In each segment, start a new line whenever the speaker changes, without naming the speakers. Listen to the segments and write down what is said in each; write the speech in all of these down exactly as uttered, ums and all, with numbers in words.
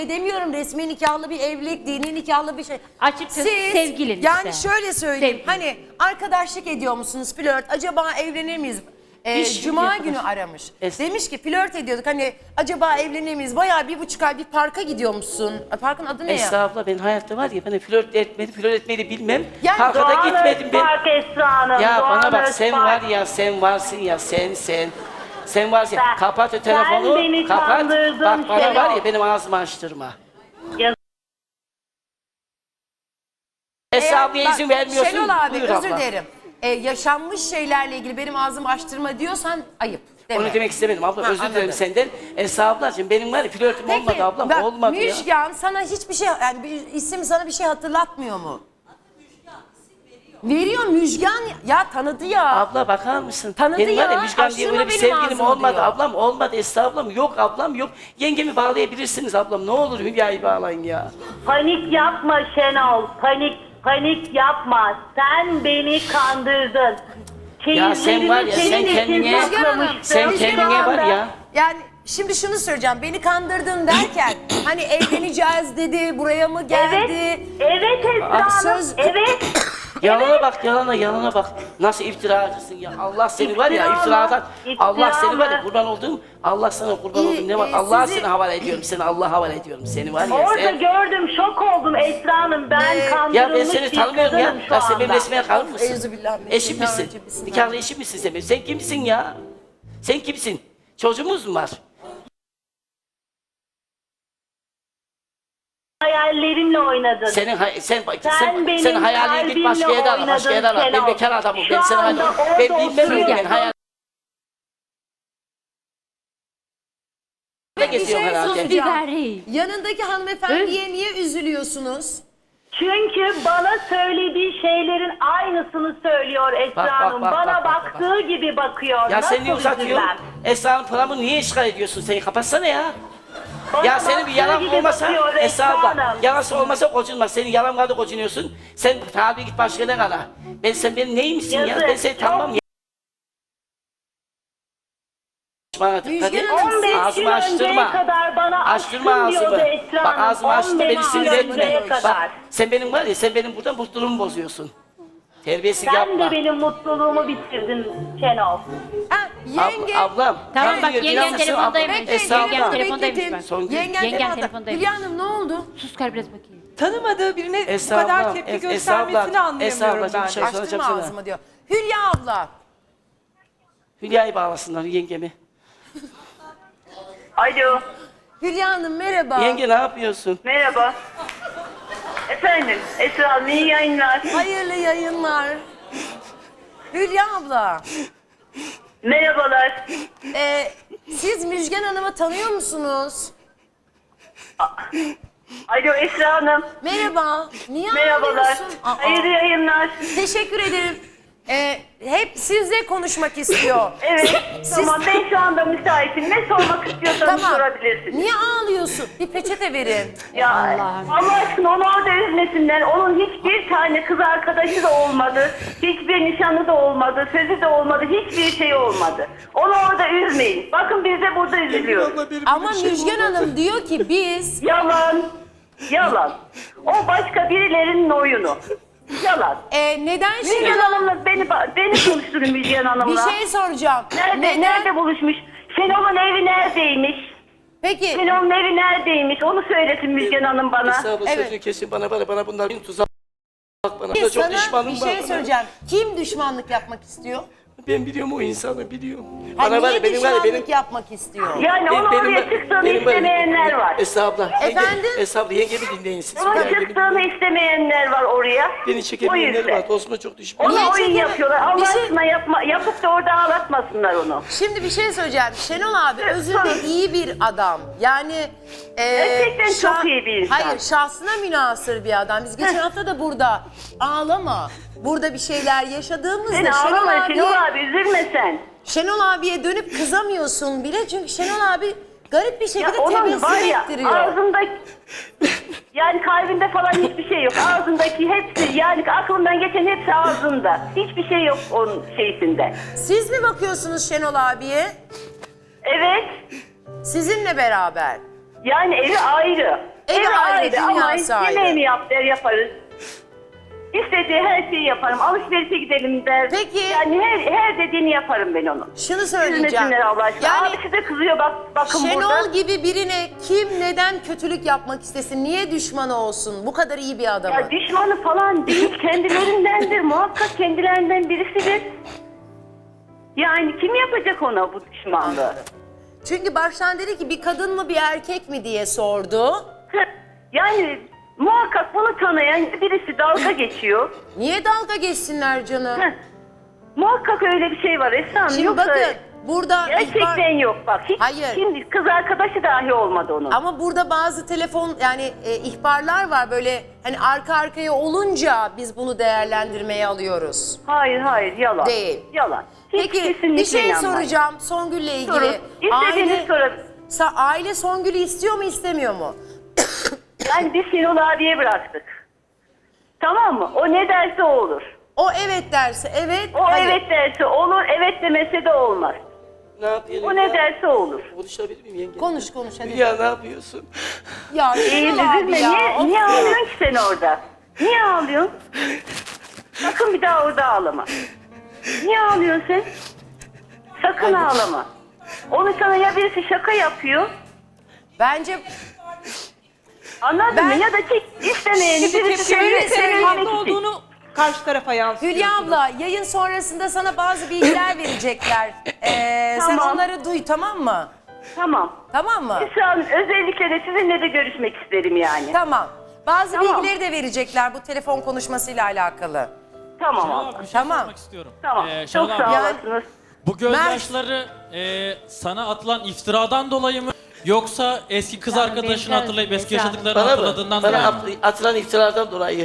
Demiyorum resmi nikahlı bir evlilik, dini nikahlı bir şey.
Açıkçası
Siz,
sevgilin
yani
işte.
şöyle söyleyeyim,
Sevgili.
hani arkadaşlık ediyor musunuz, flört, acaba evlenir miyiz? Ee,
Hiç
Cuma
yapmadım.
günü aramış.
Es-
Demiş ki flört ediyorduk, hani acaba evlenir miyiz? Bayağı bir buçuk ay bir parka gidiyormuşsun. Parkın adı ne ya?
Esra abla ben hayatta var ya, ben flört etmedi, flört etmeyi de bilmem.
Yani
Parka da
Doğan
gitmedim ben.
Özpark Esra Hanım.
Ya
Doğan
bana bak, sen
Özpark.
var ya, sen varsın ya, sen sen. Sen varsın ya,
Sen-
kapat o
sen
telefonu,
beni
kapat.
kandırdın,
Bak bana
şey
var
yok.
ya, benim ağzımı açtırma.
Ya-
Esra ablaya
Bak,
izin vermiyorsun.
Şenol abi,
Buyur
özür
abla.
dilerim. Ee, yaşanmış şeylerle ilgili benim ağzımı açtırma diyorsan ayıp. Deme.
Onu demek istemedim abla,
Ha,
özür dilerim
anladım.
senden. Esra ablacığım, benim var ya flörtüm olmadı ablam,
bak,
olmadı ya.
Müjgan sana hiçbir şey, yani bir isim sana bir şey hatırlatmıyor mu? Veriyor Müjgan, ya tanıdı ya.
Abla bakar mısın?
Tanıdı
benim var
ya,
ya, Müjgan diye
açtırma
öyle bir
benim
sevgilim
ağzımı
olmadı.
diyor.
Ablam olmadı, Esra ablam yok, ablam yok. Yengemi bağlayabilirsiniz ablam, ne olur Hülya'yı bağlayın ya.
Panik yapma Şenol. Panik panik yapma. Sen beni kandırdın.
Ya sen var ya, sen
senin için
kendine-
saklamıştım.
sen
Şu
kendine var
anda-
ya.
Yani şimdi şunu söyleyeceğim, beni kandırdın derken hani evleneceğiz dedi, buraya mı geldi?
Evet. Evet Esra Hanım.
söz-
Evet.
Yalana bak, yalana, yalana bak. Nasıl iftiracısın ya. Allah seni var ya,
İftira mı?
iftiradan.
İftira
Allah seni var ya,
mı?
kurban olduğum. Allah sana kurban
İyi,
olduğum ne var?
e,
Allah'a
sizi-
seni havale ediyorum. Seni Allah'a havale ediyorum. Seni var ya
Orada
sen.
gördüm, şok oldum Esra Hanım. Ben
Ee,
kandırılmış
Ya ben seni
bir
tanımıyorum ya.
kadınım şu
Ben sen benim
anda.
resmine kalır mısın?
Euzubillahimineşşeytanirracim.
Eşim misin?
Bismillah.
Nikahlı eşim misin sen benim? Sen kimsin ya? Sen kimsin? Çocuğumuz mu var?
Hayallerimle oynadın.
Senin hay- sen sen
Sen
sen,
benim
sen hayalini git
kalbimle
başka yere al, başka yere al. Ben
oynadın
bekar adamım. Ben
Şu
sana
anda orada
ben bilmem öyle, ben
oturuyorsun.
hayal. Ne
Bir şey
geziyorum herhalde?
soracağım.
Biberi.
Yanındaki hanımefendiye niye üzülüyorsunuz?
Çünkü bana söylediği şeylerin aynısını söylüyor Esra
Bak, bak,
Hanım.
bak,
bana
bak, bak,
baktığı gibi bakıyor.
Ya
Nasıl
sen niye uzatıyorsun?
üzülmem?
Esra'nın paramı niye işgal ediyorsun? Seni kapatsana ya.
Bana
Ya senin bir
baktığı
yalan
gibi
olmasa,
bakıyor
Esra abla,
Hanım.
yalansı olmasa kocunma. Senin yalan vardı kocunuyorsun. Sen tabi git başka ne kadar. Ben sen benim neyimsin ya?
Yazık.
Ben seni tanımam ya. Bana dikkat et.
Hanım,
on beş gün
Ağzımı
önceye
açtırma.
kadar bana
Açtırma
aşkım
ağzımı.
diyordu Esra
Bak
Hanım.
ağzımı açtı,
on beş
beni
gün
sinir etme.
önceye
Bak
kadar.
sen benim var ya, sen benim burada mutluluğumu bozuyorsun. Terbiyesiz
Sen
yapma.
de benim mutluluğumu bitirdin Şenol.
Ha,
Ab-
yenge.
ablam.
Tamam,
ne
bak,
diyor,
yengem
biliyor musun?
telefondaymış.
Ablam,
Bekleyin,
Esra
Yengem
abla.
telefondaymış
bekletin.
bak.
Son gün.
Yengen
Yengem
telefondaymış.
telefondaymış.
Hülya Hanım ne oldu?
Sus kar biraz bakayım.
Tanımadığı birine
Esra
bu kadar
abla,
tepki
Es- Esra
göstermesini
abla, Esra
anlayamıyorum
ablacığım,
ben.
şey-
Açtırma
soracağım sana.
ağzımı diyor. Hülya abla.
Hülya'yı bağlasınlar, yengemi.
Alo.
Hülya Hanım merhaba.
Yenge ne yapıyorsun?
Merhaba. Efendim Esra Hanım iyi yayınlar.
Hayırlı yayınlar. Hülya abla.
Merhabalar.
e, siz Müjgan Hanım'ı tanıyor musunuz?
Alo Esra Hanım.
Merhaba. Niye
Merhabalar.
ağlıyorsun? Aa,
Hayırlı yayınlar.
Teşekkür ederim. E, hep sizle konuşmak istiyor.
Evet.
Siz-
Tamam ben şu anda müsaitim. Ne sormak istiyorsanız
Tamam.
sorabilirsiniz.
Niye ağlıyorsun? Bir peçete verin.
Ya
Allah'ım.
Allah aşkına onu orada üzmesinler. Onun hiçbir tane kız arkadaşı da olmadı. Hiçbir nişanı da olmadı. Sözü de olmadı. Hiçbir şey olmadı. Onu orada üzmeyin. Bakın biz de burada üzülüyoruz.
Ama Müjgan Hanım diyor ki biz...
Yalan. Yalan. O başka birilerinin oyunu. Yalan.
E, neden
Müjgan
şimdi...
Hanım'la beni, beni konuşturun Müjgan
Bir
Hanım'la.
şey soracağım.
Nerede,
Neden?
nerede buluşmuş? Şenol'un evi neredeymiş?
Peki
Şenol'un evi neredeymiş? Onu söylesin Müjgan Hanım bana.
Esra abla
Evet.
sözünü kesin, bana bana bana bunlar bir tuzak bana.
sana
Çok düşmanım
bir
var
şey
bana.
söyleyeceğim. Kim düşmanlık yapmak istiyor?
Ben biliyorum o insanı, biliyorum.
Ha,
Bana var
niye
ya, benim var ya,
düşmanlık
benim...
yapmak istiyor?
Yani
benim-
onu
benim-
oraya çıktığını
benim var ya-
istemeyenler var.
Esra abla. yenge-
Efendim?
Esra abla, yengemi dinleyin siz.
Onun
Yengemi
çıktığını
dinleyin.
istemeyenler var oraya.
Beni
O
çekemeyenler
yüzden.
var. Dostuma çok düşman.
Onu
Niye
oyun
çekemez?
yapıyorlar. Allah
Bir şey-
aşkına yapma, yapıp da orada ağlatmasınlar onu.
Şimdi bir şey söyleyeceğim. Şenol abi özünde iyi bir adam. Yani... E,
Gerçekten çok iyi bir insan.
Hayır, şahsına münhasır bir adam. Biz geçen hafta da burada ağlama. Burada bir şeyler yaşadığımızda
Sen
Şenol
ağlama
abiye,
Şenol abi, üzülme sen.
Şenol abiye dönüp kızamıyorsun bile. Çünkü Şenol abi garip bir
Ya
şekilde
onun
tebessüm
var ya
ettiriyor.
ağzında yani kalbinde falan hiçbir şey yok. Ağzındaki hepsi yani aklından geçen hepsi ağzında. Hiçbir şey yok onun şeysinde.
Siz mi bakıyorsunuz Şenol abiye?
Evet.
Sizinle beraber.
Yani evi ayrı.
sahibi,
sahibi ama
dünya sahibi.
yemeğimi yap der yaparız. İstediği her şeyi yaparım. Alışverişe gidelim der.
Peki.
Yani her, her dediğini yaparım ben onun.
Şunu söyleyeceğim.
Üzmesinler Allah aşkına.
Yani
Abisi de kızıyor bak, bakın
Şenol
burada.
gibi birine kim neden kötülük yapmak istesin? Niye düşmanı olsun? Bu kadar iyi bir adamı.
Ya düşmanı falan değil, kendilerindendir. Muhakkak kendilerinden birisidir. Yani kim yapacak ona bu düşmanlığı?
Çünkü baştan dedi ki bir kadın mı bir erkek mi diye sordu.
Yani muhakkak bunu tanıyan birisi dalga geçiyor.
Niye dalga geçsinler canım?
Heh. Muhakkak öyle bir şey var Esra Hanım.
Şimdi
Yoksa
bakın burada
gerçekten
ihbar-
yok bak. Hiç,
Hayır.
Şimdi kız arkadaşı dahi olmadı onun.
Ama burada bazı telefon yani e, ihbarlar var böyle hani arka arkaya olunca biz bunu değerlendirmeye alıyoruz.
Hayır hayır yalan.
Değil.
Yalan. Hiç
Peki
kesinlikle
bir şey
inanmayın.
soracağım Songül'le ilgili.
Sorun. İstediğiniz
Aile,
sorun.
Sa- aile Songül'ü istiyor mu istemiyor mu?
Yani biz Şenol abiye bıraktık. Tamam mı? O ne derse o olur.
O evet derse evet.
O
hayır.
evet derse olur, evet demese de olmaz.
Ne yapıyorsun
O
ya?
ne derse olur.
Konuşabilir miyim yenge?
Konuş konuş hadi.
Ya ne yapıyorsun?
Ya
İyi
Şenol abi
üzülme.
ya.
Niye,
of
niye
ya.
ağlıyorsun ki sen orada? Niye ağlıyorsun? Sakın bir daha orada ağlama. Niye ağlıyorsun sen? Sakın ağlama. Onu sana ya birisi şaka yapıyor,
Bence
anladın
Ben-
mı? Ya da çek istemeyeni
Şimdi
birisi
tepkilerin
senin
senin
senin
haklı
önüne gidecek.
olduğunu karşı tarafa yansıtıyorsunuz.
Hülya abla yayın sonrasında sana bazı bilgiler verecekler. Ee, Sen
Tamam.
onları duy tamam mı?
Tamam.
Tamam mı?
Şu an özellikle de sizinle de görüşmek isterim yani.
Tamam. Bazı
Tamam.
bilgileri de verecekler bu telefon konuşmasıyla alakalı.
Tamam
Şenol
abla.
abi bir şey
Tamam.
sormak istiyorum.
Tamam.
Ee, Şenol
Çok
abi,
sağ
Yani-
olasınız.
bu
Mert-
gözyaşları e, sana atılan iftiradan dolayı mı? Yoksa eski kız
Tamam,
arkadaşını
benzer-
hatırlayıp eski
benzer.
yaşadıklarını
Bana mı?
hatırladığından dolayı
Bana
mı?
at- atılan iftiralardan dolayı.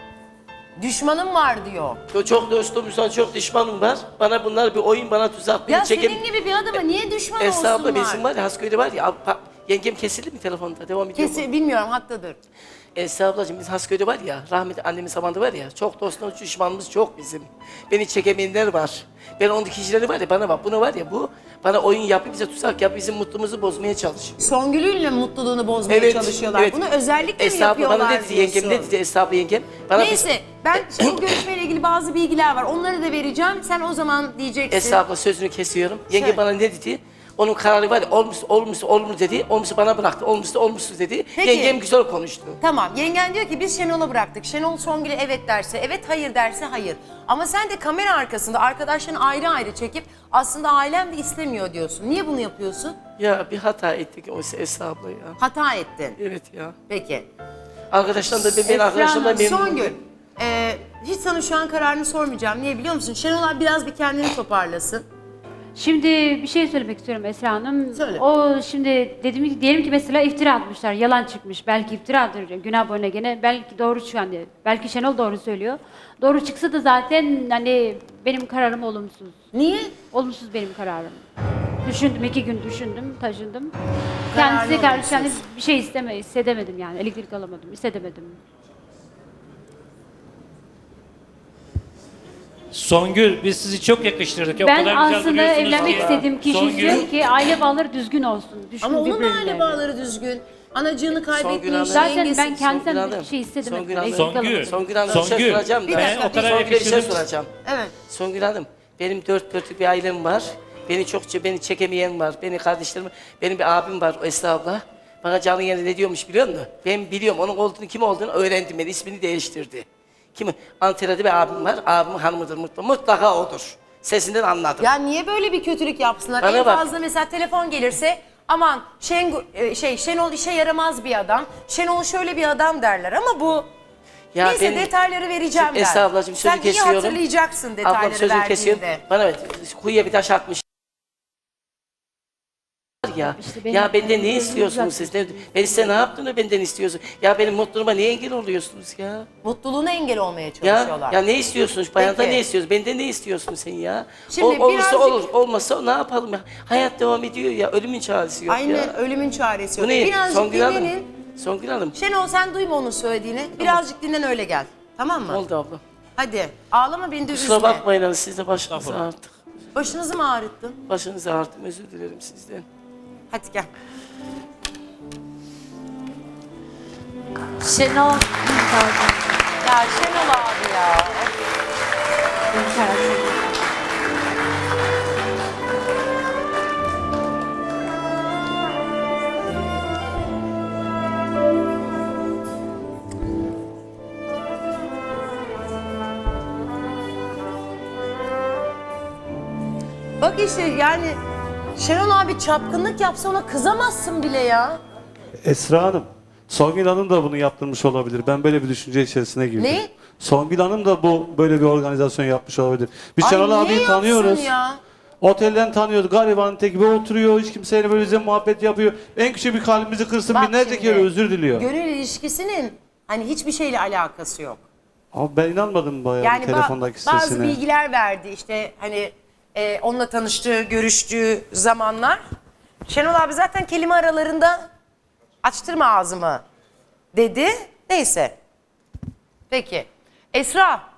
Düşmanım var diyor.
Yo, çok dostum, sana çok düşmanım var. Bana bunlar bir oyun, bana tuzak. Beni
Ya
çekem...
senin gibi bir adama niye düşman
Esra abla
olsunlar?
bizim var ya, Hasköy'de var ya. pa- Yengem kesildi mi telefonda? Devam ediyor mu?
Kesin bilmiyorum haklıdır.
Esra ablacığım biz Hasköy'de var ya, rahmetli annemin zamanında var ya, çok dostumuz, düşmanımız çok bizim. Beni çekemeyenler var. Ben ondaki kişileri var ya, bana bak, bunu var ya, bu bana oyun yapıp bize tuzak yapıp bizim mutluluğumuzu bozmaya çalışıyor.
Songül'ünle mutluluğunu bozmaya çalışıyorlar.
evet.
Bunu özellikle mi
Esra abla
yapıyorlar
bana ne dedi yengem, ne
diyorsun?
dedi Esra abla yengem? Bana
Neyse ben şimdi bu görüşmeyle ilgili bazı bilgiler var. Onları da vereceğim. Sen o zaman diyeceksin.
Esra abla sözünü kesiyorum. Yenge
Söyle.
bana ne dedi? Onun kararı var ya, olmuşsa olmuşsa olumlu dedi, olmuşsa bana bıraktı, olmuşsa olmuşsuz dedi.
Peki.
Yengem güzel konuştu.
Tamam yengen diyor ki biz Şenol'a bıraktık. Şenol Songül'e evet derse evet, hayır derse hayır. Ama sen de kamera arkasında arkadaşlarını ayrı ayrı çekip aslında ailem de istemiyor diyorsun. Niye bunu yapıyorsun?
Ya bir hata ettik o Esra abla ya.
Hata ettin.
Evet ya.
Peki.
Arkadaşlar da ben, ben arkadaşlarımdan memnunum.
Songül, e, hiç sana şu an kararını sormayacağım. Niye biliyor musun? Şenol abi biraz bir kendini toparlasın.
Şimdi bir şey söylemek istiyorum Esra Hanım.
Söyle.
O şimdi dedim ki diyelim ki mesela iftira atmışlar, yalan çıkmış. Belki iftiradır, günah boyuna gene. Belki doğru şu anda. Belki Şenol doğru söylüyor. Doğru çıksa da zaten hani benim kararım olumsuz.
Niye?
Olumsuz benim kararım. Düşündüm, iki gün düşündüm, taşındım.
Kararın
Kendisine karşı
olumsuz.
yani bir şey isteme, hissedemedim yani. Elektrik alamadım, hissedemedim.
Songül, biz sizi çok yakıştırdık. O
Ben
kadar güzel
aslında
duruyorsunuz
evlenmek
ki.
istediğim kişi
Songül,
istiyorum ki aile bağları düzgün olsun. Düşkün
Ama onun da
birbirlerine.
aile bağları düzgün. Anacığını
Songül
kaybetmiş,
Hanım.
Zaten
yengesi.
ben kendimden
Songül
bir
Hanım,
şey hissedemedim.
Songül Hanım.
Eksik
Songül.
kalamadım.
Songül Hanım bir şey
Songül,
soracağım da.
Bir dakika,
ben o kadar
Songül'e bir şey
yakıştırdım.
soracağım.
Evet.
Songül Hanım, benim dört dörtlük bir ailem var. Beni çok beni çekemeyen var. Beni kardeşlerim, benim bir abim var, o Esra abla. Bana canlı yayında ne diyormuş biliyor musun? Ben biliyorum, onun olduğunu, kim olduğunu öğrendim ben. İsmini değiştirdi. Kim? Antalya'da bir abim var. Abimin hanımıdır mutlaka. Mutlaka odur. Sesinden anladım.
Ya niye böyle bir kötülük yapsınlar?
Bana
en
bak.
fazla mesela telefon gelirse aman Şengu, e, şey Şenol işe yaramaz bir adam. Şenol şöyle bir adam derler ama bu
Ya
neyse
ben-
detayları vereceğim
Şimdi
ben.
Esra ablacığım sözü
Sen
kesiyorum.
iyi hatırlayacaksın detayları
Ablam sözünü kesiyorum.
verdiğinde.
Bana evet, kuyuya bir taş atmış. Ya,
İşte benim-
ya benden ne
benim
istiyorsunuz siz? Ne, ben size ne yaptığını benden istiyorsun? Ya benim mutluluğuma niye engel oluyorsunuz ya?
Mutluluğuna engel olmaya
Ya,
çalışıyorlar.
ya ne istiyorsunuz? Bayandan
Peki.
ne istiyorsunuz? Benden ne istiyorsun sen ya?
Şimdi
Ol- olursa
birazcık-
olur, olmasa ne yapalım ya? Hayat devam ediyor ya, ölümün çaresi yok
Aynen
ya.
ölümün çaresi
Bu
yok.
ne?
Birazcık
Songül Hanım.
dinlenin.
Songül Hanım.
Şenol sen duyma onun söylediğini. Birazcık dinlen öyle gel. Tamam mı?
Ne oldu abla?
Hadi ağlama beni de üzme.
Kusura bakmayın hanım, siz de başınızı
Estağfurullah.
ağrıttık.
Başınızı mı ağrıttın?
Başınızı ağrıttım, özür dilerim sizden.
Hadi gel.
Şenol.
Ya Şenol abi ya.
Benim kararım.
Bak işte yani Şenol abi çapkınlık yapsa ona kızamazsın bile ya.
Esra Hanım, Songül Hanım da bunu yaptırmış olabilir. Ben böyle bir düşünce içerisine girdim.
Ne?
Songül Hanım da bu böyle bir organizasyon yapmış olabilir. Biz
Ay,
Şenol
niye
abiyi
yapsın
tanıyoruz.
ya?
Otelden tanıyoruz. Garibanın teki gibi oturuyor. Hiç kimseyle böyle bize muhabbet yapıyor. En küçük bir kalbimizi kırsın.
Bak
Binlerce
şimdi,
kere özür diliyor.
Gönül ilişkisinin hani hiçbir şeyle alakası yok.
Ama ben inanmadım bayağı
Yani ba-
telefondaki
bazı
sesine.
bilgiler verdi işte hani e, onunla tanıştığı, görüştüğü zamanlar. Şenol abi zaten kelime aralarında açtırma ağzımı dedi. Neyse. Peki. Esra.